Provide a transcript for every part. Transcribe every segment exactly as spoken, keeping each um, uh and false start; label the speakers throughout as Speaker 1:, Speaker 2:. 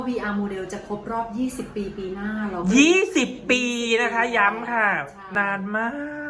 Speaker 1: วี อาร์ โมเดลจะครบรอบยี่สิบปีปีหน้าเราก็
Speaker 2: ยี่สิบ ปีนะคะย้ำค่ะ
Speaker 1: ใช่
Speaker 2: นานมาก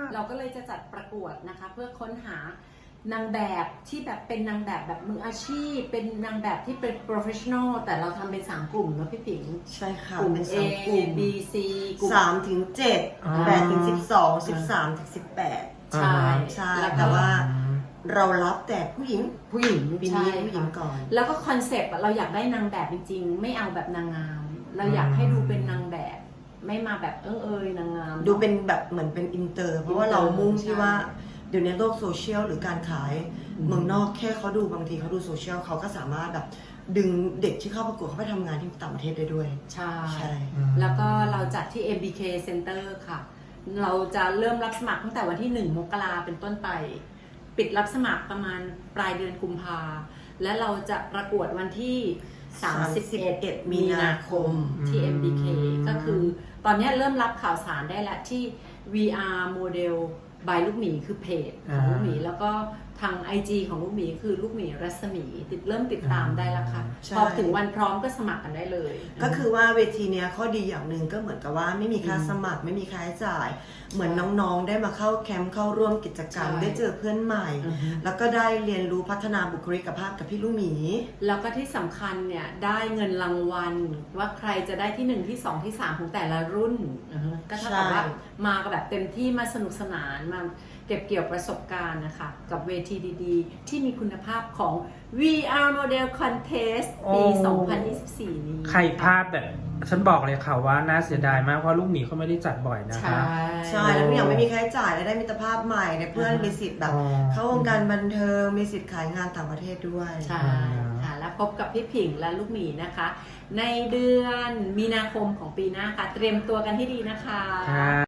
Speaker 1: เราก็เลยจะจัดประกวดนะคะเพื่อค้นหานางแบบที่แบบเป็นนางแบบแบบมืออาชีพ เป็นนางแบบที่เป็น professional แต่เราทำเป็นสามกลุ่มเนาะพี่ผิง
Speaker 3: ใช่ค่ะ
Speaker 1: กลุ่ม
Speaker 3: เป็น
Speaker 1: A
Speaker 3: สามกลุ่ม
Speaker 1: B C กลุ่ม
Speaker 3: สามถึงเจ็ด
Speaker 2: อ่า
Speaker 3: แปดถึงสิบสองสิบสามถึงสิบแปด
Speaker 1: ใช่
Speaker 3: ใช่
Speaker 1: แล้วก็
Speaker 3: แต่ว่าเรารับแต่ผู้หญิง
Speaker 1: ผู้หญิง
Speaker 3: ปีนี้
Speaker 1: ใช่
Speaker 3: ผู้หญิง
Speaker 1: ค่ะ
Speaker 3: ก่อน
Speaker 1: แล้วก็คอนเซปต์อะเราอยากได้นางแบบจริงๆ ไม่เอาแบบนางงาม เราอยากให้ดูเป็นนางแบบ ไม่มาแบบเอิงเอยนางงาม
Speaker 3: ดูเป็นแบบเหมือนเป็นอินเตอร์ เพราะว่าเรามุ่งที่ว่าเดี๋ยวนี้โลกโซเชียลหรือการขาย
Speaker 1: อืม
Speaker 3: เมืองนอกแค่เขาดูบางทีเขาดูโซเชียลเขาก็สามารถแบบดึงเด็กที่เข้าประกวดเขาไปทำงานที่ต่างประเทศได้ด้วย
Speaker 1: ใช่
Speaker 3: ใช่
Speaker 1: แล้วก็เราจัดที่ เอ็ม บี เค Center ค่ะ เราจะเริ่มรับสมัครตั้งแต่วันที่หนึ่งมกราเป็นต้นไป ปิดรับสมัครประมาณปลายเดือนกุมภาและเราจะประกวดวันที่ สามสิบเอ็ด มีนาคมที่ เอ็ม บี เค ก็คือตอนนี้เริ่มรับข่าวสารได้แล้วที่ วี อาร์ Model by ลูกหมีคือเพจของลูกหมี แล้วก็ทาง ไอ จี ของลูกหมีคือลูกหมีรัศมีติดเริ่มติดตามได้แล้วค่ะ
Speaker 3: ใช่
Speaker 1: พอถึงวันพร้อมก็สมัครกันได้เลย
Speaker 3: ก็คือว่าเวทีเนี้ยข้อดีอย่างหนึ่งก็เหมือนกับว่าไม่มีค่าสมัครไม่มีค่าใช้จ่าย เหมือนน้องๆได้มาเข้าแคมป์เข้าร่วมกิจกรรม
Speaker 1: ใช่
Speaker 3: ได้เจอเพื่อนใหม่
Speaker 1: อือฮึ
Speaker 3: แล้วก็ได้เรียนรู้พัฒนาบุคลิกภาพกับพี่ลูกหมี
Speaker 1: แล้วก็ที่สำคัญเนี่ยได้เงินรางวัลว่าใครจะได้ที่หนึ่งที่สองที่สามของแต่ละรุ่นอือฮึก็เท่ากับ
Speaker 3: ใช่
Speaker 1: ว่ามากันแบบเต็มที่มาสนุกสนานมาเก็บเกี่ยวประสบการณ์นะคะกับเวทีดีๆ ที่มีคุณภาพของ วี อาร์ Model Contest ปี
Speaker 2: โอ้
Speaker 1: สองพันยี่สิบสี่ นี้
Speaker 2: ใครพลาดแบบฉันบอกเลยค่ะว่าน่าเสียดายมากเพราะลูกหมีเขาไม่ได้จัดบ่อยนะ
Speaker 1: ใช่
Speaker 2: คะ
Speaker 3: ใช่แล้วทุกอย่างไม่มีค่าใช้จ่ายและได้มิตรภาพใหม่ในเพื่อน
Speaker 1: อ่ามี
Speaker 3: มีสิทธิ์แบบ
Speaker 2: อ๋อ
Speaker 3: เข้าวงการบันเทิงมีสิทธิ์ขายงานต่างประเทศด้วย
Speaker 1: ใช่ค่ะและพบกับพี่ผิงและลูกหมีนะคะ ในเดือนมีนาคมของปีหน้าค่ะ เตรียมตัวกันให้ดีนะคะ
Speaker 2: ค่ะ